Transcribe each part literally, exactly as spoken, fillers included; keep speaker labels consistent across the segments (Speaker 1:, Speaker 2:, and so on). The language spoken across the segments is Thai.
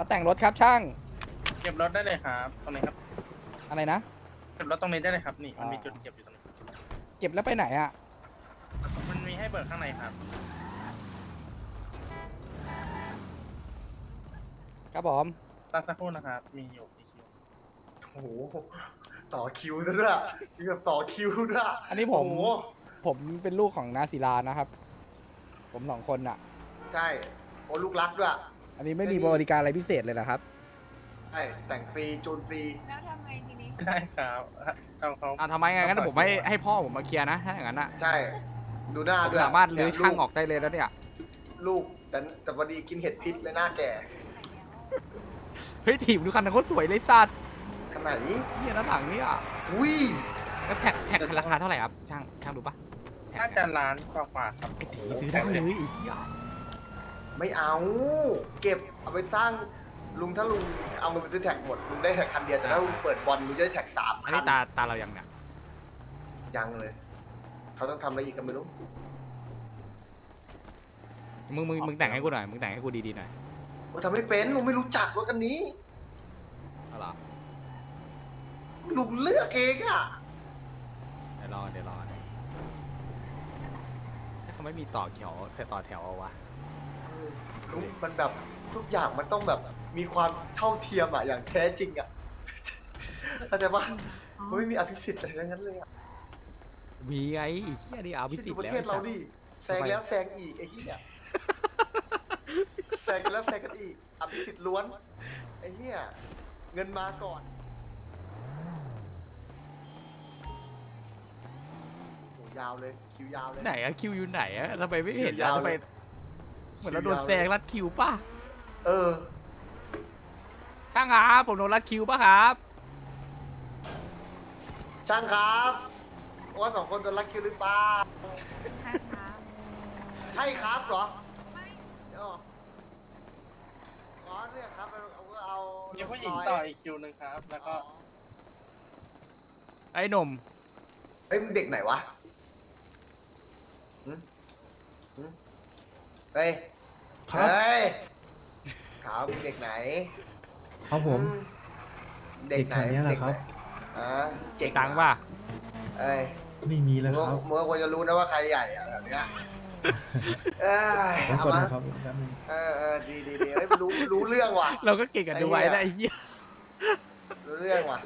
Speaker 1: มาแต่งรถครับช่าง
Speaker 2: เก็บรถได้เลยครับตรงนี้ครับ
Speaker 1: อะไรนะ
Speaker 2: เก็บรถตรงนี้ได้เลยครับนี่มันมีจุดเก็บอยู่ตรงนี้
Speaker 1: เก็บแล้วไปไหนอ่ะ
Speaker 2: มันมีให้เบิกข้างในครับ
Speaker 1: ครับผม
Speaker 2: ตั้งสักครู่นะครับมีอยู่มีคิว
Speaker 3: โอ้โหต่อคิวซะด้วยมีแบบต่อคิวด้วย
Speaker 1: อันนี้ผม
Speaker 3: โอ้โห
Speaker 1: ผมเป็นลูกของนาศิลานะครับ ผมสองคนอ่ะ
Speaker 3: ใช่โอ้ลูกรักด้วย
Speaker 1: อันนี้ไม่มีบริการอะไรพิเศษเลยนะครับ
Speaker 3: ใช่แต่งฟรีจูนฟรี
Speaker 4: แล้วทำไงทีนี้
Speaker 2: ได้ครับเอาเขา
Speaker 1: อ่ะทำไมไงงั้นผมให้ให้พ่อผมมาเคลียร์นะถ้าอย่างนั้นอ่ะ
Speaker 3: ใช่ดูหน้า
Speaker 1: ผม
Speaker 3: ด้วย
Speaker 1: สามารถลื้อ
Speaker 3: เนี่ย
Speaker 1: ช่างออกได้เลยแล้วเนี่ย
Speaker 3: ลูกแต่แต่พอดีกินเห็ดพิษเลยหน้าแก่
Speaker 1: เฮ้ยถีบดูคันนั้นโคตรสวยเลยสัตว์
Speaker 3: ขนาดนี้
Speaker 1: เนี่ยด้านหลังเนี่ย
Speaker 3: อุ้ย
Speaker 1: แล้วแท็กแท็กราคาเท่าไหร่ครับช่างช่างดูปะ
Speaker 2: น่าจะล้านกว่าๆครับ
Speaker 1: ไอ้ถีซื้อได้เลยไอ้เหี้ย
Speaker 3: ไม่เอา เก็บเอาไปสร้างลุงถ้าลุงเอาเงินไปซื้อแท็กหมดลุงได้แท็กคันเดียวแต่ถ้าลุงเปิดบอลลุงจะได้แท็กสาม
Speaker 1: อัน
Speaker 3: คั
Speaker 1: นี้
Speaker 3: น
Speaker 1: ตาตาเรายังเนี่ย
Speaker 3: ยังเลย เขาต้องทำอะไรอีกก็ไม่รู้
Speaker 1: มึงมึงมึงแต่งให้กูหน่อยมึงแต่งให้กูดีๆหน่อย
Speaker 3: ผมทำไม่เป็นลุงไม่รู้จักรถคันนี้
Speaker 1: เอาล่ะ
Speaker 3: ลุงเลือกเองอ่ะ
Speaker 1: เดี๋ยวรอเดี๋ยวรอถ้าเขาไม่มีต่อแถวแต่ต่อแถวเอาวะ
Speaker 3: ลุงมันแบบทุกอย่างมันต้องแบบมีความเท่าเทียมอ่ะอย่างแท้จริงอ่ะเข้าใจปะมันไม่มีอภิสิทธิ์อะไรทั้งนั้นเลยอ่ะ
Speaker 1: มีไงไอ้เหี้ยนี่เอาพิ
Speaker 3: คิด
Speaker 1: สิท
Speaker 3: ดู
Speaker 1: ธิ์
Speaker 3: ประ
Speaker 1: แล้ว
Speaker 3: เทศเรา
Speaker 1: ไอ้
Speaker 3: ดิ
Speaker 1: สัตว์
Speaker 3: แซงแล้วแซงอีกไอ้เหี้ยแซงกันแล้วแซงกันอีกอภิสิทธิ์ล้วนไอ้เหี้ยเงินมาก่อนโหยาวเลยคิวยาวเลย
Speaker 1: ไหนอะคิวอยู่ไหนอะทำไมไม่เห็น
Speaker 3: คิวยาว
Speaker 1: ทำไม
Speaker 3: เลย
Speaker 1: เหมือนเราโดนแซงรัดคิวป่ะ
Speaker 3: เออ
Speaker 1: ช่างครับผมโดนรัดคิวป่ะครับ
Speaker 3: ช่างครับว่าสองคนโดนลักคิวหรือเปล่า
Speaker 4: ใช่ครับ
Speaker 3: ใช่ครับเหรอ
Speaker 4: ไม่
Speaker 3: อ๋ออ๋อเนี่ยครับเอาเอาเอา
Speaker 2: มีผู้หญิงต่ออีกคิวหนึ่งครับ แล้วก็
Speaker 1: ไอ้หนุ่ม
Speaker 3: เอ้ยมึงเด็กไหนวะหึหึเฮ้ย
Speaker 5: ครับ
Speaker 3: เฮ้ยขาวมึงเด็กไหน
Speaker 5: ครับผม
Speaker 3: อืเด็กไหน
Speaker 5: เด็กแถวเนี้ยแหละ
Speaker 3: เด็ก
Speaker 5: ครับ
Speaker 3: อ่าเจ๋ง
Speaker 1: ตังค์ป่ะ
Speaker 3: เอ้ย
Speaker 5: ไม่มีแล้ว
Speaker 3: มึง
Speaker 5: ครับ
Speaker 3: มึงก็ควรจะรู้นะว่าใครใหญ่อะแบบเนี้ยเอ้ย
Speaker 5: ผม
Speaker 3: เอา
Speaker 5: ก่อน
Speaker 3: มา
Speaker 5: นะครับแป๊บนึง
Speaker 3: เออเออดีดีดีเฮ้ยรู้รู้เรื่องว่ะ
Speaker 1: เราก็เก่งกันดูไว้นะไอ้เหี้ย
Speaker 3: รู้เรื่องว่ะ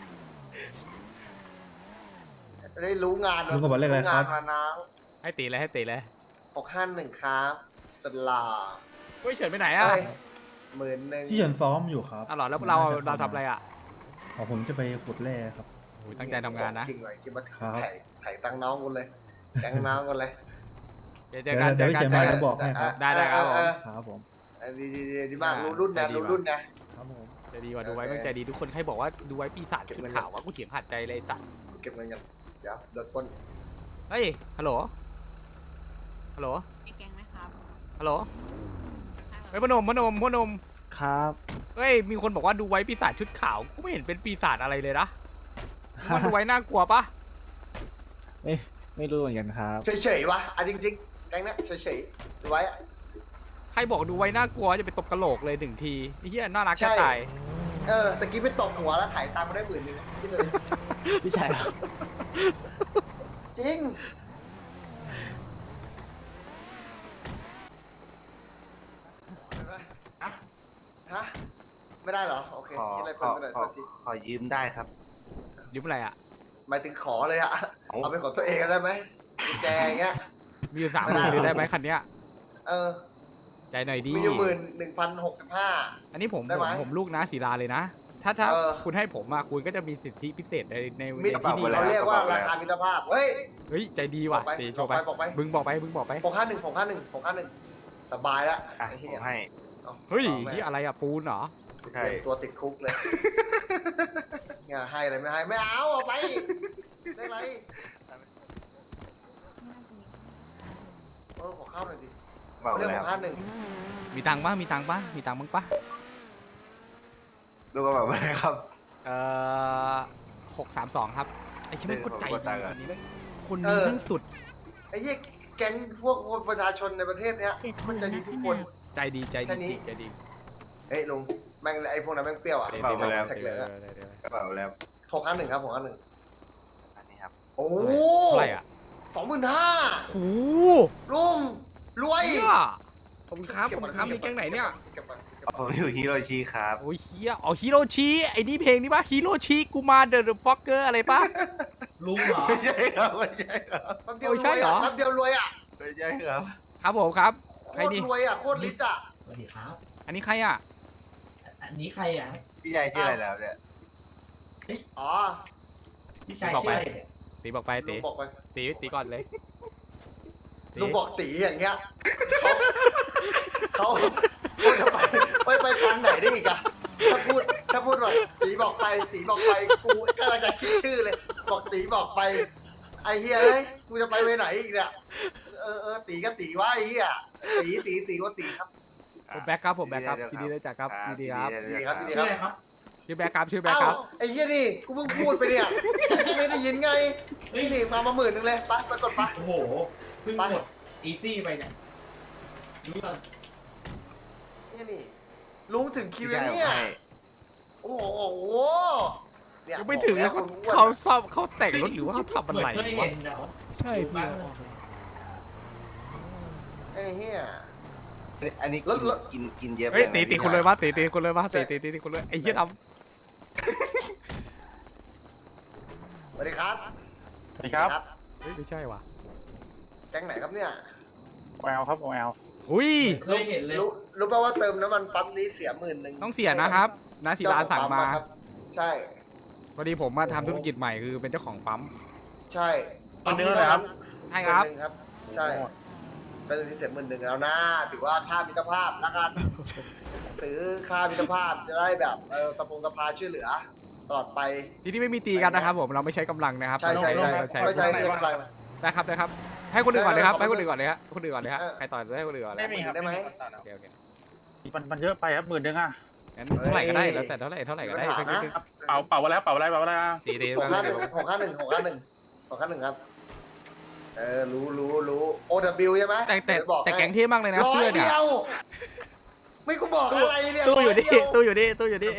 Speaker 3: ได้รู้งาน
Speaker 5: ลุงกระบอกเลขอะไรครับ
Speaker 3: งานมาน้อง
Speaker 1: ให้ตีเลยให้ตีเลย
Speaker 3: หกห้าหนึ่งครับสลา
Speaker 1: เฮ้ยเฉินไปไหนอะ
Speaker 3: เอ้ยหมื่นหนึ่ง
Speaker 5: พี่เฉินซ้อมอยู่ครับ
Speaker 1: อ๋อเหรอแล้วเราเราทำอะไรอะ
Speaker 5: อ๋อผมจะไปขุดแร่ครับ
Speaker 1: โอ้ยตั้งใจทำงานนะ
Speaker 3: จริงเลยคิดว่า
Speaker 5: ครับ
Speaker 3: ไถ่ไถ่ตังค์น้องกูเลยแกงน้องกูเลย
Speaker 1: เดี๋ยวเจอกันเจ
Speaker 5: เดี๋ยว
Speaker 1: อ
Speaker 5: พี่
Speaker 1: กัน
Speaker 5: เฉิน
Speaker 1: เจ
Speaker 5: มา
Speaker 1: อกั
Speaker 5: จะ
Speaker 1: น
Speaker 5: บอกให้ครับ
Speaker 1: ได้ได้ครับผม
Speaker 3: เออ
Speaker 5: ครับผม
Speaker 3: เออดีดีดีดีมาก
Speaker 1: ได้
Speaker 3: รู้รุ่นนะ
Speaker 1: ได้ดี
Speaker 3: รู้
Speaker 1: ว่ะ
Speaker 3: รุ่นนะ
Speaker 5: ครับผม
Speaker 1: ใจดีว่ะดูไว้แม่งใจดีทุกคนใครบอกว่าดูไว้ปีศาจชุดขาววะกูเถียงขาดใจเลยไอ้สัตว์
Speaker 3: เก็บเงินกันเดี๋ยวโดนปล้น
Speaker 1: เฮ้ยฮัลโหลฮัลโหล
Speaker 4: มีแกงไหมครับ
Speaker 1: ฮัลโหลเฮ้ยพนมพนมพนม
Speaker 5: ครับ
Speaker 1: เฮ้ยมีคนบอกว่าดูไว้ปีศาจชุดขาวกูไม่เห็นเป็นปีศาจอะไรเลยนะมันดูไว้น่ากลัวปะ
Speaker 5: ไม่ไม่รู้เหมือนกันครับ
Speaker 3: เฉยๆวะอ่ะจริงๆแกงเนี้ยเฉยๆดูไว้อะ
Speaker 1: ใครบอกดูไว้น่ากลัวจะไปตบกระโหลกเลยหนึ่งทีไอ้เหี้ยน่ารักแค่ตาย
Speaker 3: เออตะกี้ไปตบหัวแล้วถ่ายตังค์มาได้หมื่นหนึ่งคิดเลย
Speaker 5: พี่ชายครับ
Speaker 3: จริงฮะฮะไม่ได้เหรอโอเค
Speaker 6: ขอ
Speaker 3: คิดอะไร
Speaker 6: ข
Speaker 3: เพิ่
Speaker 6: อ
Speaker 3: มไปหน่อย
Speaker 6: ขอ
Speaker 3: โทษที
Speaker 6: ขอยืมได้ครับ
Speaker 1: ยืมอะไรอ่ะ
Speaker 3: หมายถึงขอเลยอะ
Speaker 6: เอา
Speaker 3: เอาเป็นของตัวเองได้ไหมกุญแจอย่างเงี้ย
Speaker 1: มีอยู่สาม
Speaker 3: ไม่
Speaker 1: ห
Speaker 3: ได้
Speaker 1: มื่นเลยได้ไหมคันเนี้ย
Speaker 3: เออ
Speaker 1: ใจหน่อยดี
Speaker 3: มีอยู่หมื่นหนึ่งพันหกสิบห้า
Speaker 1: อันนี้ผม
Speaker 3: ได้
Speaker 1: ผ
Speaker 3: ไหม
Speaker 1: มผมลูกนะศิลาเลยนะ ถ้าถ้า
Speaker 3: เออ
Speaker 1: คุณให้ผมมาคุณก็จะมีสิทธิพิเศษในใน
Speaker 3: มิ
Speaker 1: ใน
Speaker 3: ตร
Speaker 1: ที่นี่
Speaker 3: เขา
Speaker 1: แหละ
Speaker 3: เรียกว่าราคามิตรภาพ เฮ้ย
Speaker 1: เฮ้ยใจดีว่ะ
Speaker 3: บอกไป
Speaker 1: ตีโชว์ไป
Speaker 3: บอกไป
Speaker 1: บึงบอกไปบึงบอกไป
Speaker 3: หกห้าหนึ่งหกห้าหนึ่งหกห้าหนึ่งสบายแล้ว
Speaker 6: อ่ะ
Speaker 3: ไอ้
Speaker 6: ผ
Speaker 3: เหี้
Speaker 6: มให้
Speaker 3: อา
Speaker 1: เฮ้ย
Speaker 3: อาแม่
Speaker 1: ที่อะไรอะปูนเหรอ
Speaker 6: ใช่
Speaker 3: เตรียมตัวติดคุกเลย เนี่ยให้อะไรไม่ให้ ไม่เอาเอาไป ได้ไร
Speaker 4: น่าจะมี
Speaker 3: เออขอเข้าหน่อยดิ
Speaker 6: บอก
Speaker 3: เรื่อง
Speaker 6: เลย
Speaker 3: ห
Speaker 6: ค
Speaker 3: ก
Speaker 6: รับ
Speaker 3: ห้าหนึ่ง
Speaker 1: มีตังค์ปะมีตังค์ปะมีตังค์บ้างปะ
Speaker 6: ดูก็แบบอะไรครับ
Speaker 1: เอ่อหกสามสองครับไอ้ชิมันก็ใจ
Speaker 6: เออผมกดตั
Speaker 1: ดี
Speaker 6: งค์อะ
Speaker 1: คนนี้แม่งคนนี้แม่งสุด
Speaker 3: ไอ้เหี้ยแก๊งพวกคนประชาชนในประเทศเนี้ยมันจะดีทุกคน
Speaker 1: ใจดีใจ
Speaker 3: แค่
Speaker 1: ดี
Speaker 3: นี้
Speaker 1: จริงใจดี
Speaker 3: ไอ้ฮ้ยลุงแม่งไอ้พวกนั้นแม่งเปรี้ยวอ่ะ
Speaker 1: ตี
Speaker 6: เปล่าไปแล้ว
Speaker 3: แท็กเหลืองอะ
Speaker 6: กระเป๋าแล้ว
Speaker 3: หกห้าหนึ่งครับหกห้าหนึ่ง
Speaker 6: อันนี้ครับ
Speaker 3: โอ้
Speaker 1: เท่าไหร่อ่ะ
Speaker 3: สองหมื่นห้า
Speaker 1: โอ้
Speaker 3: ลุงรวย
Speaker 1: เฮียขอบคุณครับขอบคุณครับมีแก๊งไหนเนี่ย
Speaker 3: ก็บมาเก็บมา
Speaker 6: ผมอยู่ฮิโรชิครับ
Speaker 1: โอ้ยเฮียอ๋อฮิโรชิไอ้นี่เพลงนี่ปะฮิโรชิกูมาเดอะฟ็อกเกอร์อะไรปะ
Speaker 5: ลุงเหรอ
Speaker 6: ไม่ใช่ครับไม่ใช่ครับ
Speaker 3: แป๊บเดียว
Speaker 1: โอ้
Speaker 3: ร
Speaker 1: ใช่
Speaker 3: วย
Speaker 1: เหร
Speaker 3: อ่ะ
Speaker 1: อ
Speaker 3: แป๊บเดียวรวยอ่ะ
Speaker 6: ไม่ใช่ครับ
Speaker 1: ครับผมครับ
Speaker 3: โค
Speaker 1: ใคร
Speaker 3: ตร
Speaker 1: นี่
Speaker 3: รวยอ่ะโคตรลิตอ่ะ
Speaker 5: สวัสดีครับ
Speaker 1: อันนี้ใครอ่ะ
Speaker 5: อันนี้ใครอ่ะ
Speaker 6: พี่ชายชื่ออะไรแล้วเนี่ย
Speaker 3: อ๋อ
Speaker 5: พี่ชาย
Speaker 1: บอก
Speaker 5: ชื่
Speaker 1: ไป
Speaker 5: ออะไรเนี่ย
Speaker 1: ตีบอกไป
Speaker 3: ลุ
Speaker 1: ตี
Speaker 3: งบอกไป
Speaker 1: ตีตีก่อนเลยตี
Speaker 3: ลุงบอกตีอย่างเงี้ยเขาเขาจะไปไปไปทางไหนได้อีกอะถ้าพูดถ้าพูดว่าตีบอกไปตีบอกไปกูกำลังจะคิดชื่อเลย บอกตีบอกไป ไอ้เฮียเอ้ยกูจะไปไปไหนอีกเนี่ยเออเออตีก็ตีว่าไอ้เฮียตีตีตีก็ตีครับ
Speaker 1: ผมแบ็คครับผมแบ็คครับยินดีด้วยจ้ะครับยินดีครับ
Speaker 3: ดีครับดี
Speaker 5: ชื่ออะไรครับ
Speaker 1: ชื่อแบ็คครับชื่อแบ็ค
Speaker 3: เอ้า
Speaker 1: ครับ
Speaker 3: ไอ้เฮียนี่กูเพิ่งพูดไปเนี่ยไม่ได้ยินไงนี่นี่มามาหมื่นหนึ่งเลยไปไปกดไป
Speaker 5: โอ้โหเพิ่ง
Speaker 3: ไป
Speaker 5: กดอีซี่ไปเนี่ยรู้ป่ะ
Speaker 3: นี่นี่ลุงถึงคิ
Speaker 6: พี่
Speaker 3: ว
Speaker 6: ชาย
Speaker 3: แล้ว
Speaker 6: ผม
Speaker 3: เนี่ย
Speaker 6: ให้
Speaker 3: โอ้โหเนี่ย
Speaker 1: ยังไม่ถึงเลย
Speaker 3: บ
Speaker 1: เขา
Speaker 3: อกแล้ว
Speaker 1: เขาซ่อมเขาแต่งรถหรือว่าเขาทำอะไร
Speaker 5: เหมือนเคยว
Speaker 1: ะ
Speaker 5: เห็นเนาะ
Speaker 1: ใช่
Speaker 5: พี่
Speaker 3: ไอ้เฮีย
Speaker 6: อันนี้
Speaker 3: แล้วแล้ว
Speaker 6: กินกินเยอะไป
Speaker 1: เฮ้ย
Speaker 6: ไหม
Speaker 1: ตีตี
Speaker 6: พี่
Speaker 1: คน
Speaker 6: ชา
Speaker 1: เลยมาตีตีคนเลยมาตีตีตีตีคนเลยไอ้เหี้ยด
Speaker 3: สวัสดีครับ
Speaker 2: สวัสดีครับ
Speaker 1: ำเฮ้ยไม่ใช่ว่ะ
Speaker 3: แก๊งไหนครับเนี่ย
Speaker 2: โอแอลครับโอแอล
Speaker 1: หุย
Speaker 5: เคยเห็นเลย
Speaker 3: รู้รู้ป่าวว่าเติมน้ำมันปั๊มนี้เสียหมื่นหนึ่ง
Speaker 1: ต้องเสียนะครับนาศิลาสั่งมา
Speaker 3: เจ้ของปั๊อะครับใช่
Speaker 1: พอดีผมมาทำธุรกิจใหม่คือเป็นเจ้าของปั๊ม
Speaker 3: ใช่
Speaker 2: ปั๊มนี้เท่าไหร่ครับ
Speaker 1: ใช่ครับ
Speaker 3: หมื่นหนึ่งครับ ใช่เป็นที่เสียหมื่นหนึ่งแล้วนะถือว่าค่ามิตรภาพแล้วกันซื้อค่ามิตรภาพจะได้แบบเออสปงสภาช่วยเหลือตลอดไป
Speaker 1: ที่นี่ไม่มีตีกันนะครับผมเราไม่ใช้กำลังนะครับ
Speaker 3: ใช่ใช่
Speaker 1: เรา
Speaker 3: ใช่
Speaker 1: เราใช้
Speaker 3: ไม่ใช่เรื่องอะไร
Speaker 1: ได้ครับได้ครับให้คนอื่นก่อนเลยครับ
Speaker 3: ได้
Speaker 1: ให้
Speaker 3: ครับ
Speaker 1: คนอื่นก่อนเลยฮะคนอื่นก่อนเลยฮะ
Speaker 3: เออ
Speaker 1: ใครต่อจะให้คนอื่นก่อนเลย
Speaker 2: ไม่มีครับ
Speaker 3: ได้ไหม
Speaker 2: ต่อนะ
Speaker 1: โอเคโอเค
Speaker 2: มันมันเยอะไปครับหมื่นหนึ่งอ่ะ
Speaker 1: งั้นเท่าไหร่ก็ได้แล้วแต่เท่าไหร่เท่าไหร่ก็ได้
Speaker 3: มีปัญหานะ
Speaker 2: เป่าเป่าแล้วเป่าอะไรเป่าอะไร
Speaker 1: ตีตี
Speaker 3: หกห้าหนึ่งหกห้าหนึ่งหกห้าหนึ่งหกห้าหนึ่งครับ เออ รู้รู้รู้ โอ ดับเบิลยู ใช่ไหม
Speaker 1: แต่แต่
Speaker 3: เดี๋ยวบอก
Speaker 1: แต่
Speaker 3: ให้
Speaker 1: แก๊งเท่มากเลยนะ
Speaker 3: ร้อ
Speaker 1: เสื้อย เนี่
Speaker 3: เดี
Speaker 1: ย
Speaker 3: ยว ไม่กูบอกอะไรเนี่ย
Speaker 1: ตู้อยู่
Speaker 3: ร้
Speaker 1: นี่
Speaker 3: เดีว
Speaker 1: ตู้อยู่นี่ตู้อยู่นี่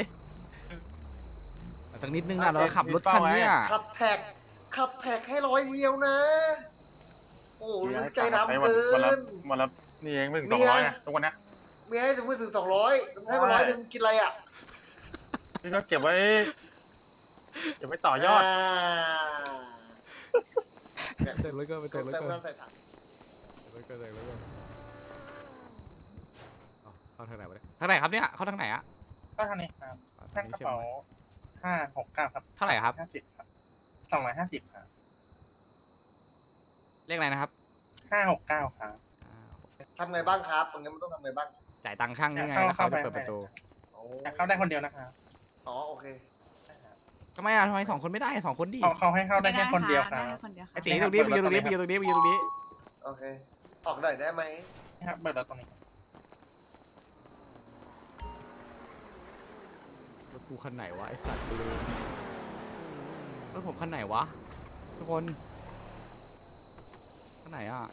Speaker 1: สักนิดนึงอ่ะเราขับรถคันเนี้ย
Speaker 3: ขับแท็ก ขับแท็กให้ร้อยเดียวนะ โอ้โหรู้ใจดำเกิ
Speaker 2: วันละ
Speaker 3: น
Speaker 2: วันละนี่เองไม่ถึง
Speaker 3: เมี
Speaker 2: สอง
Speaker 3: ย
Speaker 2: ร้อยนะทุกวันนี้
Speaker 3: เมียให้ถึงไม่ถึงสองร้อยให้มาร้อยหนึ่งกินอะไรอ่ะ
Speaker 2: นี่ก็เก็บไว้เก็บไว้ต่อยอด
Speaker 3: เนี่ย
Speaker 1: เติมรถก็ไป
Speaker 3: เติ
Speaker 1: เติ
Speaker 3: ม
Speaker 1: มรถ
Speaker 3: เติม
Speaker 1: ก็
Speaker 3: น้ำใส่ถัง
Speaker 1: รถก็เติมรถก็เข้าทางไหนวะเนี่ยทางไหนครับเนี่ยเข้าทางไหนอะ
Speaker 2: ก็เท่านี้ครับ
Speaker 1: ทา
Speaker 2: แท่
Speaker 1: ง
Speaker 2: ง
Speaker 1: นี้
Speaker 2: กระ
Speaker 1: ใช่ไหม
Speaker 2: เป๋าห้าหกเก้าครับ
Speaker 1: เท่าไหร่ครับ
Speaker 2: ห้าสิบครับสองร้อยห้าสิบครับ
Speaker 1: เลขอะไรนะครับ
Speaker 2: ห้าหกเก้าครับ
Speaker 1: อ่า
Speaker 3: ทำไงบ้างครับ ตรงนี้มันต้องทำไงบ้าง
Speaker 1: จ่ายตังค์ช่างนี่ไง
Speaker 2: เข้า
Speaker 1: แล้วเขาจะ
Speaker 2: เข้าไป
Speaker 1: เปิดประตู
Speaker 3: โอ้
Speaker 2: แต่เข้าได้คนเดียวนะครับ
Speaker 3: อ๋อ โอเค
Speaker 1: ทำไมอ่ะทำไมสองคนไม่ได้สองคนดิ
Speaker 2: เขาเขาให้เข้าได้แค่คนเดียวค
Speaker 4: ได้
Speaker 2: รับ
Speaker 4: แค่คนเดียวค
Speaker 1: ไอ้
Speaker 4: รับ
Speaker 1: ตีตรงนี้ไปยืนตรงนี้ไปยืนตรงนี้ไปยืนตรงนี้
Speaker 3: โอเค ออกหน่อยได้ไหม
Speaker 2: นี่ครับเบิกรถตรงนี้
Speaker 1: รถกูคันไหนวะไอ้สัตว์ลืมรถผมคันไหนวะทุกคนคันไหนอ่ะ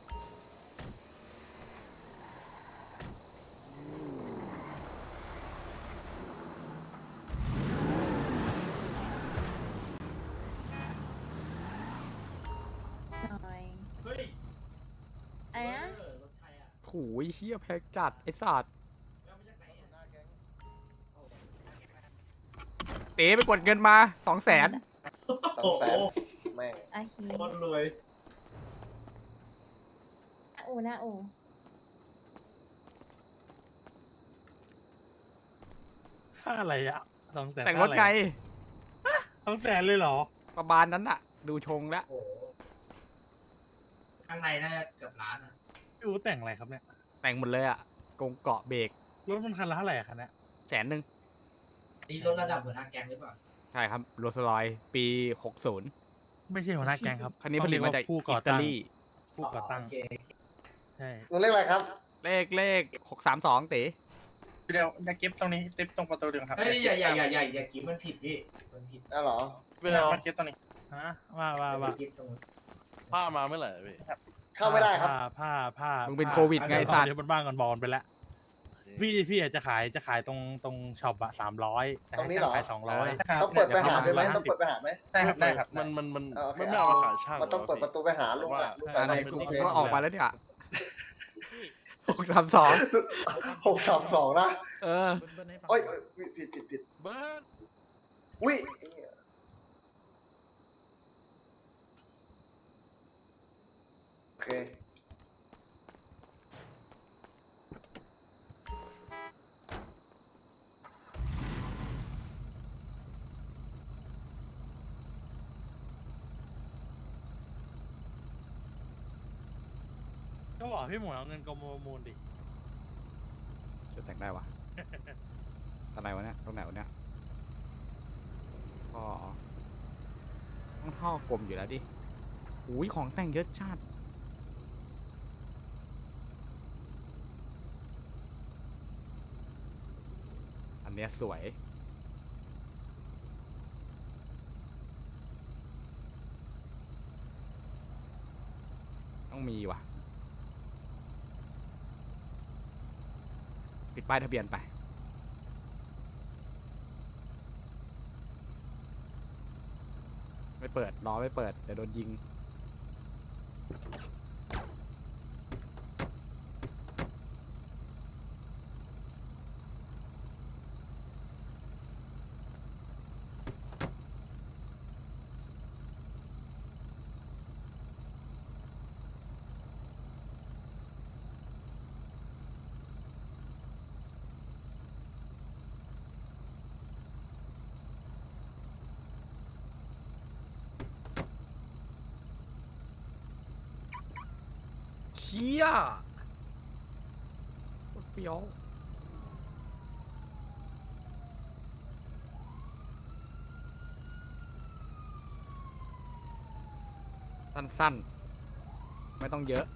Speaker 4: หน่อย
Speaker 5: เฮ้ย
Speaker 4: อะไรนะ
Speaker 5: เออรถใครอ่ะ
Speaker 1: โหยเฮียแพงจัดไอ้สัตว์
Speaker 5: แล้วมาจากไหนอ่ะ
Speaker 1: เต๋ไปกดเงินมาสองแสน
Speaker 3: สอง
Speaker 5: โอ้
Speaker 3: แส
Speaker 5: โห
Speaker 3: นแม่ง
Speaker 4: อาคี
Speaker 5: คนรวย
Speaker 4: อูนะอู
Speaker 7: ค่าอะไรอ่ะสองแสน
Speaker 1: แต่งรถไง
Speaker 7: สองแสนเลยเหรอ
Speaker 1: ประมาณนั้นอะดูชงแล้ว
Speaker 5: โอ้โหข้างในน่าจะเกือบล้านอ่ะ
Speaker 7: พี่อูแต่งอะไรครับเนี่ย
Speaker 1: แต่งหมดเลยอะกงเกาะเบรก
Speaker 7: รถมันคันละเท่าไหร่อะคันเนี้ย
Speaker 1: แสนหนึ่ง
Speaker 5: นี่รถระดับหัวหน้าแก๊งหรือเปล่า
Speaker 1: ใช่ครับโรสลอยปีหกศูนย์
Speaker 7: ไม่ใช่หัวหน้าแก๊งครับ
Speaker 1: คันนี้ผลิตมาจาก
Speaker 7: ผู้ก่
Speaker 1: อิ
Speaker 7: อ
Speaker 1: ตา
Speaker 7: ตั้ง
Speaker 1: ลี
Speaker 7: ผู้ก่อตั้ง
Speaker 5: โเค
Speaker 7: ใช่
Speaker 3: ลุงเรียกอะไรครับ
Speaker 1: เลขเลขหกสามสองเต๋
Speaker 2: เดี๋ยวจะเก็บตรงนี้เก็บตรงประตูเดียวครับ
Speaker 5: เฮ้ยอย่าอย่าอย่าอย่าอย่าคิดมันผิดพี่มันผิด
Speaker 3: อ้าวเหรอ
Speaker 2: เวลามาเก็บตรงนี้
Speaker 7: ฮะว่าว่า
Speaker 5: อย่า
Speaker 7: ว่า
Speaker 5: คิดตรงนู้น
Speaker 8: ผ้ามาเมื่อไหร่พี่
Speaker 3: เข้าไม่ได้ครับ
Speaker 7: ผ้าผ้าผ้า
Speaker 1: มึงเป็นโควิดไงไอ้สัตว์
Speaker 7: เดี๋ยวบนบ้านก่อนบอลไปแล้ว
Speaker 8: โอเค
Speaker 7: พี่พี่อาจจะขายจะขายตรงตรงช็อปอะสามร้อยแต่
Speaker 3: ตรง
Speaker 7: ให้
Speaker 3: นี้เหรอ
Speaker 7: ขายสองร้อย
Speaker 3: ต้องเปิดไปหาด้วยไหมต้องเปิดไปหาไหม
Speaker 5: ได้ครับได้ครับ
Speaker 2: มันมันมัน
Speaker 3: เออโอเค
Speaker 2: ไม่ไม่เอามาขายช่าง
Speaker 3: มันต้องเปิดประตูไปหาลุงอะลุง
Speaker 1: อะไร
Speaker 3: ไป
Speaker 1: กู
Speaker 3: ไหน
Speaker 1: กูก็ออกมาแล้วเนี่ยหกสามสอง
Speaker 3: หกสามสองนะ
Speaker 1: เออ
Speaker 3: โอ้ยผิดผิดผิดผิด
Speaker 2: เบิร์ด
Speaker 3: อุ้ยโอเค
Speaker 7: ก็บอกพี่หมวยเอาเงินกรมประมูลดิ
Speaker 1: จะแต่งได้วะตอนไหนวะเนี่ยตรงไหนวะเนี่ยก็ต้องท่อกลมอยู่แล้วดิอุ้ยของแต่งเยอะชาติอันเนี้ยสวยต้องมีว่ะปิดป้ายทะเบียนไปไม่เปิดรอไม่เปิดเดี๋ยวโดนยิงเชี่ยโคตรเฟี้ยวสั้นๆไม่ต้องเยอะ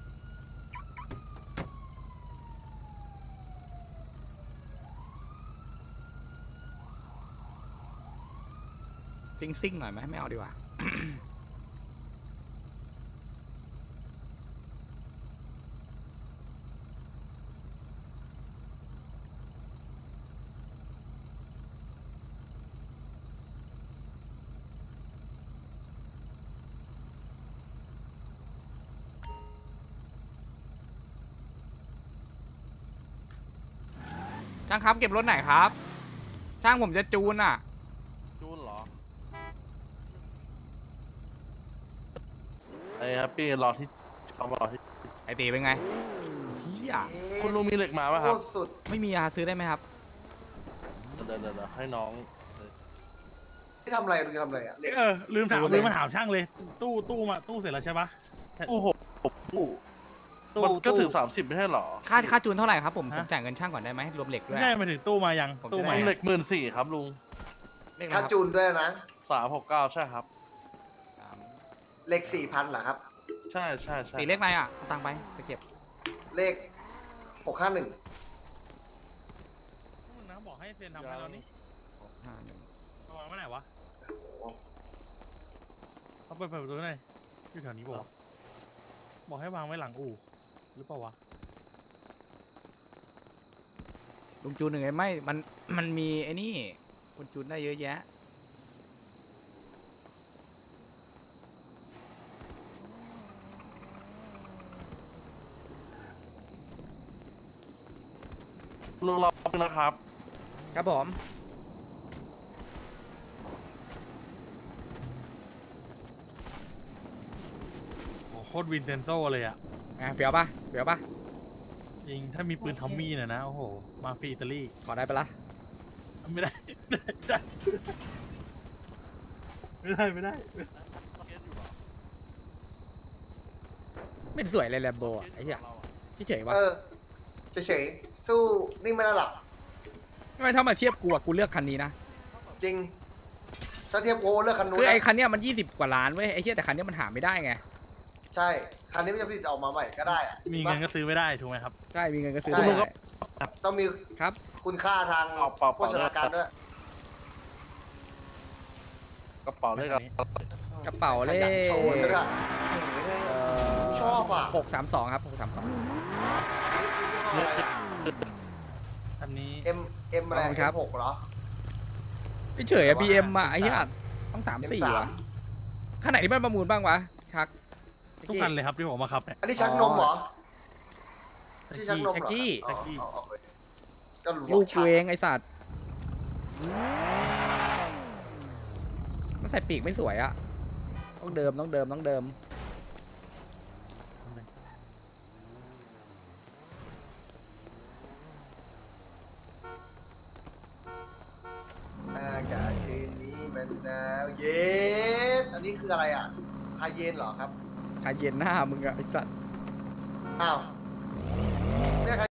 Speaker 1: ซิ่งๆหน่อยไหมไม่เอาดีกว่า ช่างครับเก็บรถไหนครับ ช่างผมจะจูนอ่ะ
Speaker 2: จูนเหรอไอ้ครับพี่รอที่เอามารอที่
Speaker 1: ไอตีเป็นไงเฮีย
Speaker 2: คุณลุงมีเหล็กมาป่ะค
Speaker 3: โค
Speaker 2: รับ
Speaker 3: ตรสุด
Speaker 1: ไม่มีอะซื้อได้ไหมครับ
Speaker 2: เดี๋ยวเดี๋ยวเดี๋ยวให้น้อง
Speaker 3: ที่ทำอะไรลุงจะทำอะไรอ่ะ
Speaker 7: เออลืมถาม
Speaker 1: ดูเลย
Speaker 7: ลืมมาถามช่างเลย ตู้ตู้มาตู้เสร็จแล้วใช่ปะ
Speaker 2: โอ้โห
Speaker 7: ตู้
Speaker 2: มันก็ถึง
Speaker 7: ตู้
Speaker 2: สามสิบไม่ใช่เหรอ
Speaker 1: ค่าค่าจูนเท่าไหร่ครับผม
Speaker 7: ฮะ
Speaker 1: ผมจ่ายเงินช่างก่อนได้ไหมรวมเหล็กด้วย
Speaker 7: ไม่ใช่มาถึงตู้มายัง
Speaker 1: ผมจะ
Speaker 7: ตู้
Speaker 1: ได้
Speaker 7: มา
Speaker 2: มี
Speaker 7: ยัง
Speaker 2: เหล็กหมื่นสี่ครับลุง
Speaker 1: เลขอะไร
Speaker 3: ค่า
Speaker 1: ครับ
Speaker 3: จูนด้วยนะ
Speaker 2: สามหกเก้าใช่ครับ
Speaker 1: สาม
Speaker 3: เลขสี่พันเหรอครับ
Speaker 2: ใช่ใช่ใช่
Speaker 1: ตีเลขอะไรอ่ะเอาตังค์ไปไปเก็บ
Speaker 3: เลขหกห้าหนึ่ง
Speaker 7: นะบอกให้เซ็นทำให้เรานี่
Speaker 1: หกห้าหนึ่ง
Speaker 7: เอาวางไว้ไหนวะเอาไปเปิดประตูหน่อยอยู่แถวนี้บอกว่าวะบอกให้วางไว้หลังอู่หรือเปล่าวะ
Speaker 1: ลุงจูนหนึ่งไงไม่มันมันมีไอ้นี่คนจูนได้เยอะแยะ
Speaker 2: ลุงรอแป๊บนึงนะครับ
Speaker 1: ครับผม
Speaker 7: โอ้โหโคตรวินเซนโซเลยอะ
Speaker 1: ไงเฟี้ยวปะเฟี้ยวปะ
Speaker 7: จริงถ้ามีปืนทอมมี่น่ะนะโอ้โหมาฟรีอิตาลี
Speaker 1: ขอได้ปะล่ะ
Speaker 7: ไม่ได้ไม่ได้ไม่ได้ไม่ได้
Speaker 1: ไม่สวยเลยแลมโบอ่ะไอ้เหี้ยเฉยๆวะ
Speaker 3: เออเฉยๆสู้นิ่งไม่ได้หรอก
Speaker 1: ทำไมถ้ามาเทียบกูอะกูเลือกคันนี้นะ
Speaker 3: จริงถ้าเทียบโอเลือกคันนู้น
Speaker 1: คือไอ้
Speaker 3: นะ
Speaker 1: คันเนี้ยมันยี่สิบกว่าล้านเว้ยไอ้เหี้ยแต่คันเนี้ยมันหาไม่ได้ไง
Speaker 3: ใช่คันนี้มันจะผลิตออกมาใหม่ก็ได้อะ
Speaker 7: มีเงินก็ซื้อไม่ได้ถูกไหมครับ
Speaker 1: ใช่มีเงินก็ซื้อ
Speaker 3: ใช่
Speaker 1: ได้
Speaker 3: ต้องมี
Speaker 1: ครับ
Speaker 3: คุณค่าทาง
Speaker 2: เอาเปล่า
Speaker 3: โภ
Speaker 2: เปล่า
Speaker 3: ชนาการด้วย
Speaker 2: กระเป๋าเลขอะไร
Speaker 1: กระเป๋าเล
Speaker 3: ขยัน
Speaker 1: ข
Speaker 3: โชว์ด้วยอะ
Speaker 1: เอ่อ
Speaker 3: ชอบอ่ะ
Speaker 1: หกสามสองครับหกสามสอง
Speaker 2: เลข
Speaker 3: เอ็มเอ็มอะไร
Speaker 1: ขอบคุณครับ
Speaker 3: หกเหรอ
Speaker 1: ไม่เฉยอะบีเอ็มอะไอ้เหี้ยต้องสามสี่
Speaker 3: เอ็ม
Speaker 1: วะขนาดที่มันประมูลบ้างวะชัก
Speaker 7: ทุกคันเลยครับที่ผมมาขับเนี่ย
Speaker 3: อันนี้ชักนมเหรอ
Speaker 7: แท็ก
Speaker 3: ที่ชัก
Speaker 7: กี้
Speaker 3: นม
Speaker 1: แจ็ค
Speaker 3: เหรอ
Speaker 1: กี้
Speaker 3: อ๋ออ๋ออ๋อก็รู้
Speaker 1: ลูก
Speaker 3: ชั
Speaker 1: กูเองไอ้สัตว์มันใส่ปีกไม่สวยอะต้องเดิมต้องเดิมต้องเดิม
Speaker 3: อากาศคืนนี้มันหนาวเย็นอันนี้คืออะไรอ่ะคาเยนเหรอครับ
Speaker 1: คาเย็นหน้ามึงอะไอ้สัตว์
Speaker 3: อ้าวไม่ใช่คา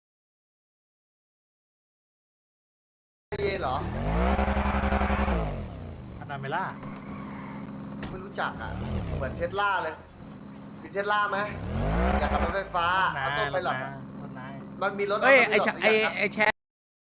Speaker 3: เยนเหรอ
Speaker 7: อานาเมล่า
Speaker 3: ไม่รู้จักอ่ะ เหมือนเทสลาเลย มีเทสลาไหมอยากขับรถไฟฟ้า
Speaker 7: นา
Speaker 3: เอาตัวไปหรอ
Speaker 7: นาต้นนาย
Speaker 3: มันมีรถ
Speaker 1: เอ้ย
Speaker 3: า
Speaker 1: ไอ้
Speaker 3: ตัว
Speaker 1: ชะ
Speaker 3: หร
Speaker 1: ไอ้
Speaker 3: หรือยังครับ
Speaker 1: ไอ้แชท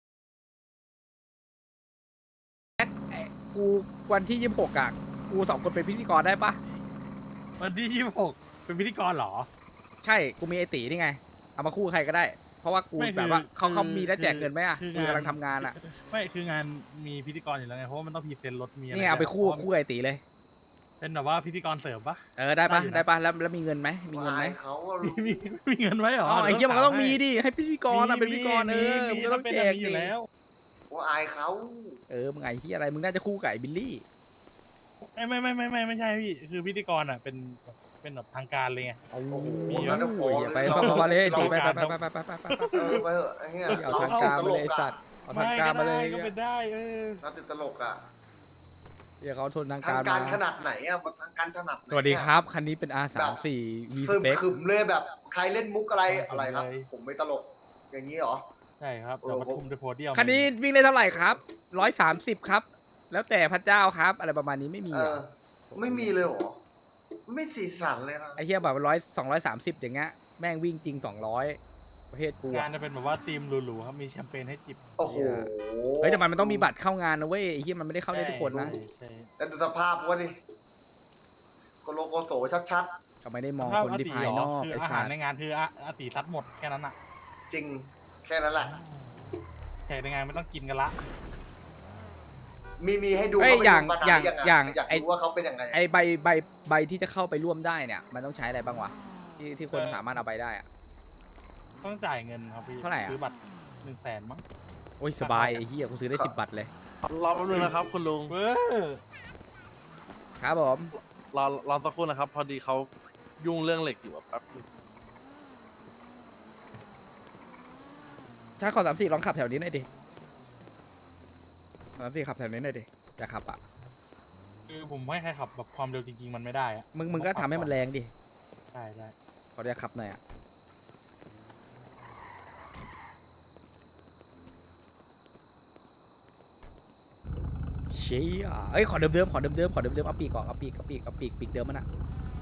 Speaker 1: ไอ้กูวันที่ยี่สิบหกอะกูสองคนเป็นพิธีกรได้ปะ
Speaker 7: วันที่ยี่สิบหกเป็นพิธีกรเหรอ
Speaker 1: ใช่กูมีไอตีนี่ไงเอามาคู่ใครก็ได้ เพราะว่ากู
Speaker 7: ไม่คือ
Speaker 1: แบบว่าเขา
Speaker 7: คือ
Speaker 1: เขามีแล้วแจกเงินไหมอะ
Speaker 7: คือ
Speaker 1: กู
Speaker 7: งาน
Speaker 1: กำลังทำงานอะ
Speaker 7: ไม่คืองานมีพิธีกรอยู่แล้วไงเพราะว่ามันต้องพรีเซนต์รถมีอะไร
Speaker 1: นี่เอาไปคู่
Speaker 7: เพราะว่า
Speaker 1: คู่ไอตีเลย
Speaker 7: เป็นแบบว่าพิธีกรเสริมปะ
Speaker 1: เออได้ปะ
Speaker 7: ได้อยู่นะ
Speaker 1: ได้ปะแล้วแล้วมีเงินไหมมีเงินไหม
Speaker 3: อายเขาอะ
Speaker 7: มีมีมีเงินไหมเหรอ
Speaker 1: อ๋อไอ้เหี้ยมันก็ต้องมีดิให้พิธีกรอะ
Speaker 7: มี
Speaker 1: เป็นพิธีกรเออ
Speaker 7: มี
Speaker 1: มึงก็ต้อง
Speaker 7: เป็น
Speaker 1: แจก
Speaker 7: มีอยู่
Speaker 1: ดิ
Speaker 7: แล้ว
Speaker 3: ว่าอายเขา
Speaker 1: เออมึงไอ้ที่อะไรมึงน่าจะคู่กับไอ้บิลลี่
Speaker 7: ไม่ไม่ไม่ไม่ไม่ไม่ใช่พี่คือพิธีกรอ่ะเป็นเป็นแบบทางการเลยไง
Speaker 1: โอ้โห
Speaker 7: มี
Speaker 3: แล้วจะพอ
Speaker 1: อย่าไป
Speaker 3: เรา
Speaker 1: ไปไปเลย
Speaker 3: เรา
Speaker 1: ตีไปไปไปไปไปไปไปไป
Speaker 3: เออไปเถอะไอ้เงี้ย
Speaker 1: เอาทางการมาเลยไอ้สัตว์เอาทางการมาเลย
Speaker 7: ก็เป็นได้เออ
Speaker 3: เราติดตลกอ่ะ
Speaker 1: เดี๋ยวเขาทนทาง
Speaker 3: ทาง
Speaker 1: การ
Speaker 3: การ
Speaker 1: มา
Speaker 3: ขนาดไหนอ่ะมันทางการขนาดไหน
Speaker 1: สวัสดีครับ คันนี้เป็น อาร์ สามสี่ V
Speaker 3: ซึม
Speaker 1: Spec
Speaker 3: ขึมเลยแบบใครเล่นมุกอะไรอะไรครับ ผมไม่ตลก อย่างนี้เหรอ
Speaker 7: ใช่ครับเราประชุมในโพเดียม
Speaker 1: คันนี้วิ่งได้เท่าไหร่ครับร้อยสามสิบครับ แล้วแต่พระเจ้าครับ อะไรประมาณนี้ไม่มี
Speaker 3: เอ
Speaker 1: เหร
Speaker 3: อ
Speaker 1: อ
Speaker 3: ไม่มีเลยเหรอ ไม่สีสันเลยนะ
Speaker 1: ไอ้เหี้ยแบบร้อยสองร้อยสามสิบอย่างเงี้ยแม่งวิ่งจริงสองร้อยประเทศกู
Speaker 7: งา
Speaker 1: อะ
Speaker 7: นจะเป็นแบบว่าทีมหรูๆครับมีแชมเปญให้จิบ
Speaker 3: โอ้โห
Speaker 1: เฮ้ยแต่มันมันต้องมีบัตรเข้างานนะเว้ยไอ้เหี้ยมันไม่ได้เข้าได้ทุกคนนะ
Speaker 7: ใช่ใช่
Speaker 3: แล้วดูสภาพวะดิโกโลโกโสชัด
Speaker 1: เขาไม่ได้มอง
Speaker 7: ภาพ
Speaker 1: คนที่
Speaker 7: ติ
Speaker 1: ภายนอก
Speaker 7: คือ
Speaker 1: ไอ้
Speaker 7: อา
Speaker 1: สั
Speaker 7: หาร
Speaker 1: ตว์
Speaker 7: ในงานคืออาอาติซัดหมดแค่นั้นอ่ะ
Speaker 3: ๆ จริง แค่นั้นแหละ
Speaker 7: แขกในงานไม่ต้องกินกันละ
Speaker 3: มีมีให้ดู
Speaker 1: เอ้ย
Speaker 3: เขาไป
Speaker 1: อย่าง
Speaker 3: ดูมนน
Speaker 1: อย่าง
Speaker 3: หรืะ
Speaker 1: อย่าง
Speaker 3: อยาก
Speaker 1: ไอ้
Speaker 3: รู้ว่าเขาเป็นยังไง
Speaker 1: ไอใบใบใบที่จะเข้าไปร่วมได้เนี่ย มันต้องใช้อะไรบ้างวะที่ที่คนสามารถเอาไปได้อะ
Speaker 7: ต้องจ่ายเงินครับพี่
Speaker 1: เท่าไหร่อะ
Speaker 7: ซื้อบัตรหนึ่งแสนมั้ง
Speaker 1: โอ้ยสบายไอ้เหี้ยกูซื้อได้สิบบัตรเลย
Speaker 2: รอแป๊บนึงนะครับ คุณลุง
Speaker 7: เออ
Speaker 1: ครับผม
Speaker 2: รอรอสักครู่นะครับ พอดีเขายุ่งเรื่องเหล็กอยู่อะแป๊บนึง
Speaker 1: ถ้าขอสามสี่ลองขับแถวนี้หน่อยดิสามสี่ขับแถวนี้หน่อยดิอยากขับอ่ะ
Speaker 7: คือผมไม่ให้ใครขับแบบความเร็วจริงๆ มันไม่ได้อะ
Speaker 1: มึงมึงก็ทำให้มันแรงดิ
Speaker 7: ใช่ใช่
Speaker 1: ขออนุญาตขับหน่อยอ่ะเชี่ยเอ้ยขอเดิมๆขอเดิมๆขอเดิมๆเอาปีกก่อนเอาปีกเอาปีกเอาปีกปีกเดิมมันอ่ะ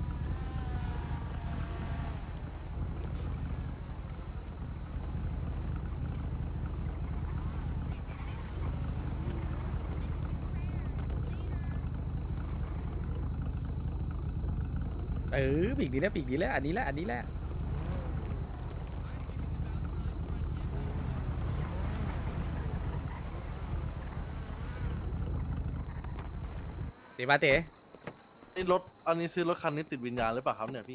Speaker 1: เออปีกนี้แหละปีกนี้แหละอันนี้แหละอันนี้แหละเต๋มาเต๋
Speaker 2: นี่รถอันนี้ซื้อรถคันนี้ติดวิญญาณหรือเปล่าครับเนี่ยพี่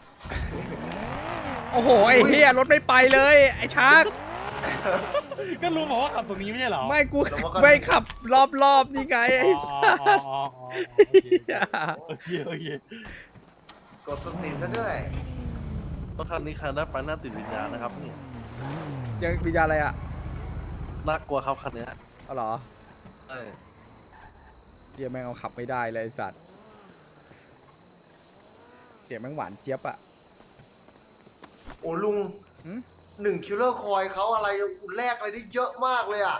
Speaker 1: โอ้โหไอ้เฮียรถไม่ไปเลยไอ้ชาร์ก
Speaker 7: ก็รู้บอกว่าขับตรงนี้ไม่ใช่เหรอ
Speaker 1: ไม่กูไม่ขับรอบๆนี่ไงไอ้
Speaker 7: อ๋ออ๋ออ๋ออ๋อโอเคโอเค
Speaker 3: กดสตรีมซะด้วย
Speaker 2: รถคันนี้คันได้ไปหน้าติดวิญญาณนะครับนี่
Speaker 1: ยังวิญญาณอะไรอ่ะ
Speaker 2: น่ากลัวครับคันเนี้ย
Speaker 1: เอาเหรอ
Speaker 2: ใช่
Speaker 1: เฮียแม่งเอาขับไม่ได้เลยไอ้สัตว์เสียงแม่งหวานเจี๊ยบอ่ะ
Speaker 3: โอ้ลุง
Speaker 1: หืม
Speaker 3: หนึ่งคิลเลอร์คอยเขาอะไรแลกอะไรได้เยอะมากเลยอ่ะ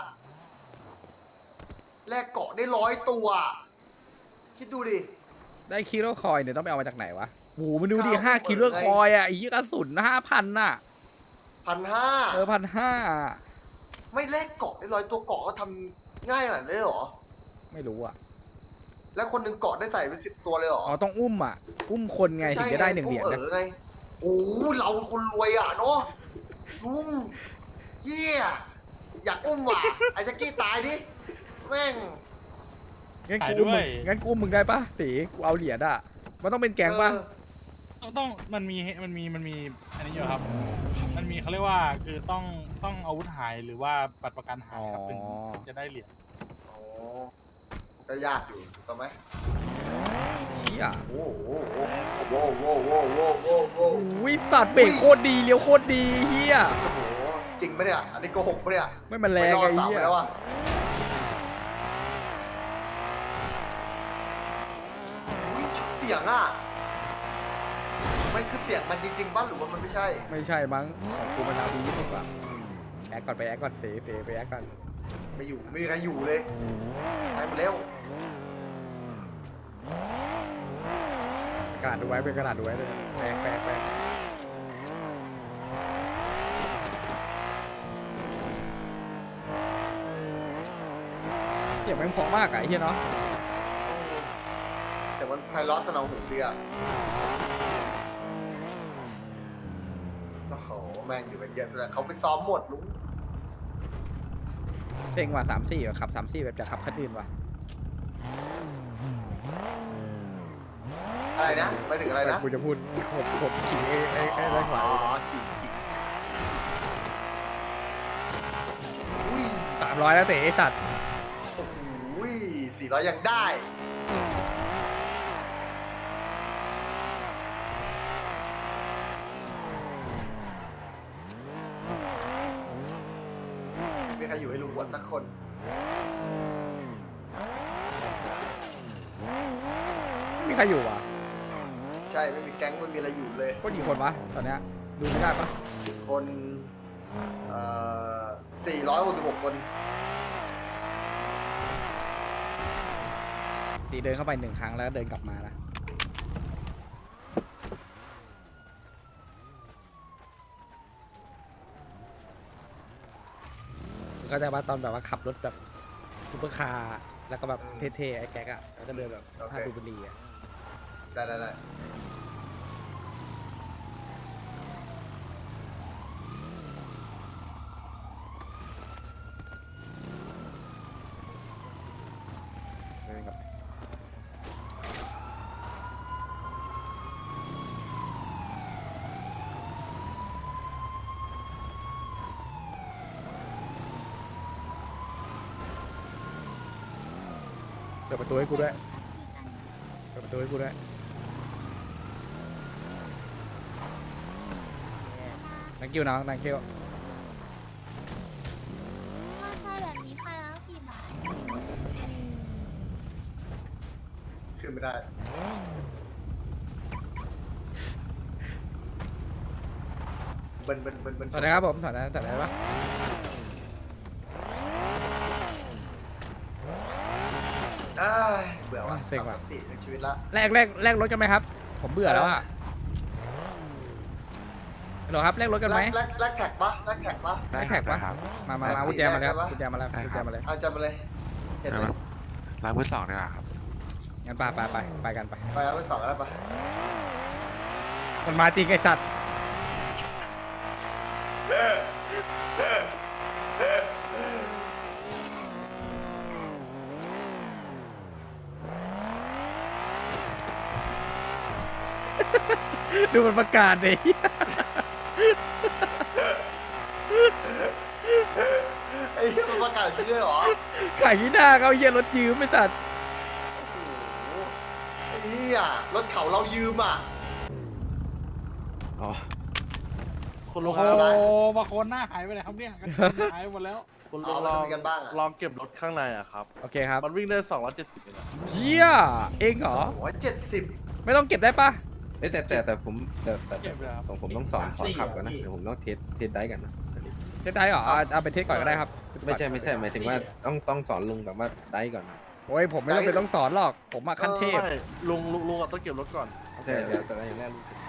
Speaker 3: แลกเกาะได้ร้อยตัวคิดดูดิ
Speaker 1: ได้คิโลคอยเนี่ยต้องไปเอามาจากไหนวะโอ้โหมันดูดิ
Speaker 3: ข้าว
Speaker 1: ห้า
Speaker 3: เปิด
Speaker 1: คิโล
Speaker 3: ไง
Speaker 1: คอยอ่ะไอ้ยี่กระสุนห้าพันน่ะ
Speaker 3: พันห้า
Speaker 1: เออพันห้า
Speaker 3: ไม่แลกเกาะได้ร้อยตัวเกาะก็ทำง่ายขนาดนี้เลยเหรอ
Speaker 1: ไม่รู้อ่ะ
Speaker 3: แล้วคนหนึ่งเกาะได้ใส่เป็นสิบตัวเลยเหรอ
Speaker 1: อ๋อต้องอุ้มอ่ะ อุ้มคนไงถึงจะได้หนึ่งเหรียญ
Speaker 3: เอ
Speaker 1: นะ
Speaker 3: อไงโอ้เราคนรวยอ่ะเนาะลุงเยี่ยอยากอุ้มว่ะไอ้แจ็คกี้ตายดิแม่ง
Speaker 1: งั้น
Speaker 7: ขาย
Speaker 1: กู
Speaker 7: ด้
Speaker 1: อุ้ม
Speaker 7: ว
Speaker 1: มึ
Speaker 7: ย
Speaker 1: งงั้นกูอุ้มมึงได้ปะตีกูเอาเหรียญอ่ะมันต้องเป็นแก๊งปะ
Speaker 3: เออ
Speaker 7: ต้องต้องมันมีมันมีมันมีอันนี้อยู่ครับ มันมีเขาเรียกว่าคือต้องต้องอาวุธหายหรือว่าบัตรประกันหายครับถึงจะได้เหรียญ
Speaker 3: โอ้ก็ยากอยู่ถูกไหม
Speaker 1: เฮีย
Speaker 3: โอ้โหโอ้โหโอ้โหโอ้โหโอ้โห
Speaker 1: วิสัตว์เบรกโคตรดีเลี้ยวโคตรดีเฮีย
Speaker 3: โอ้โหจริงปะเนี่ยอันนี้โกหกปะเนี่ย
Speaker 1: ไม่มันแรงไง
Speaker 3: ม่รอดสาม
Speaker 1: เฮีย
Speaker 3: แล้วอะอุ๊ยเสียงอ่ะมันคือเสียงมันจริงๆป่ะหรือว่ามันไม่ใช่
Speaker 1: ไม่ใช่มั้งของกูมันเอาดีที่สุดอะแอคก่อนไปแอคก่อนเตะเตะไปแอคก่อน
Speaker 3: ไม่อยู่ไม่มีใครอยู่เลยไปหมดแล้ว
Speaker 1: กระดาษดูไว้เป็นกระดาษดูไว้เลยแปลกแปลกแปลกเสียงแม่งเพราะมากอะไอ้เฮียเนาะ
Speaker 3: แต่มันไพเราะสนองหูดีอ่ะโอ้โหแม่งอยู่เป็นเยอะเลยเขาไปซ้อมหมดลุง
Speaker 1: เซ็งว่ะสามสี่ขับสามสี่แบบจะขับคันอื่นว่ะ
Speaker 3: อะไรนะไปถึงอะไรนะ
Speaker 1: กูจะพูดผมผมขิงไอ้ไอ้ไอ้ไอ้ขวา
Speaker 3: อ๋อจริงอุ้ย
Speaker 1: สามร้อยแล้วเตะไอ้สัตว์
Speaker 3: โอ้โหสี่ร้อยยังได้มีใครอยู่ให้ลุงบวชสักคน
Speaker 1: มีใครอยู่วะ
Speaker 3: ใช่ไม่มีแก๊งไม่มีอะไรอยู่เลย
Speaker 1: ก็กี่คนวะตอนเนี้ยดูไม่ได้ปะ
Speaker 3: คนเอ่อสี่ร้อยหกสิบหกคน
Speaker 1: ตีเดินเข้าไปหนึ่งครั้งแล้วเดินกลับมานะเข้าใจว่าตอนแบบว่าขับรถแบบซุปเปอร์คาร์แล้วก็แบบเท่ๆไอ้แก๊กอะแล้วก็เดินแบบท่าดูบุรีอะ
Speaker 3: ได้ได้ได้
Speaker 1: เปิดประตูให้กูด้วยเปิดประตูให้กูด้วย thank you น้อง thank you
Speaker 4: ถ้าใช่แบบนี้ใครแล้วกี่บาท
Speaker 3: ขึ้นไม่ได้เบิ้ลเบิ้ลเบิ้ลเบิ้ล
Speaker 1: ถอดนะครับผมถอดนะถอดได้ปะ
Speaker 3: เอ้ยเบื่อว่ะ
Speaker 1: เซ็งว่ะ
Speaker 3: สามสี่ในชีวิตละ
Speaker 1: แลกแลกแลกรถกันไหมครับ ผมเบื่อแล้วอะฮัลโหลครับแลกรถกันไหม
Speaker 3: แลกแลกแท็กปะแลกแท็กปะ
Speaker 1: แลกแท็กปะมามามากุญแจมาแล้วกุญแจมาแล้วกุญแจมาเลย
Speaker 3: เอาจำมาเลยเห็นไหม
Speaker 8: ร้านมือสองดีกว่าครับ
Speaker 1: งั้นไปไปไปไปกันไป
Speaker 3: ไปเอาไปสองแล้วปะ
Speaker 1: มันมาจริงไอสัตว์ดูมันประกาศดิ
Speaker 3: ไอ้เหี้ยมันประกาศจริงด้วยเหรอ
Speaker 1: ขายที่หน้าเขาเยี่ยรถยืมไม่ตัด
Speaker 3: โอ้โหไอ้เหี้ยรถเขาเรายืมอ่ะ
Speaker 8: อ๋อ
Speaker 7: คุณลุง
Speaker 3: โอ้
Speaker 7: ครับ
Speaker 3: โห
Speaker 7: โอ้บางคนหน้าหายไปไหนครับเนี่ยหายไปหมดแล้ว
Speaker 2: คุณล
Speaker 3: เอา
Speaker 2: อง
Speaker 3: ไป
Speaker 2: ลอง
Speaker 3: ทำกันบ้างอะ
Speaker 2: ลองเก็บรถข้างในอะครับ
Speaker 1: โอเคครับ
Speaker 2: มันวิ่งได้สองร้อยเจ็ดสิบเลยนะ
Speaker 1: เยี่ยเองเหรอ
Speaker 3: โอ้ยเจ็ดสิบ
Speaker 1: ไม่ต้องเก็บได้ปะ
Speaker 6: เอ้ยแต่แต่แต่ผมแต่แต่
Speaker 7: เก็บเลยครับ
Speaker 6: ของผมต้องสอนสอนขับก่อนนะเดี๋ยวผมต้องเทสเทสได้กันนะ
Speaker 1: เทสได้เหรอเอาเอาไปเทสก่อนก็ได้ครับ
Speaker 6: ไม่ใช่ไม่ใช่หมายถึงว่าต้องต้องสอนลุงแบบว่าได้ก่อน
Speaker 1: โอ้ยผมไม่ต้องไปต้องสอนหรอกผมอะขั้นเทพ
Speaker 2: ไม่ลุงลุงลุงอะต้องเก็บรถก่อน
Speaker 6: ใช่แล้วแต่ว่าอย่างแรกลุง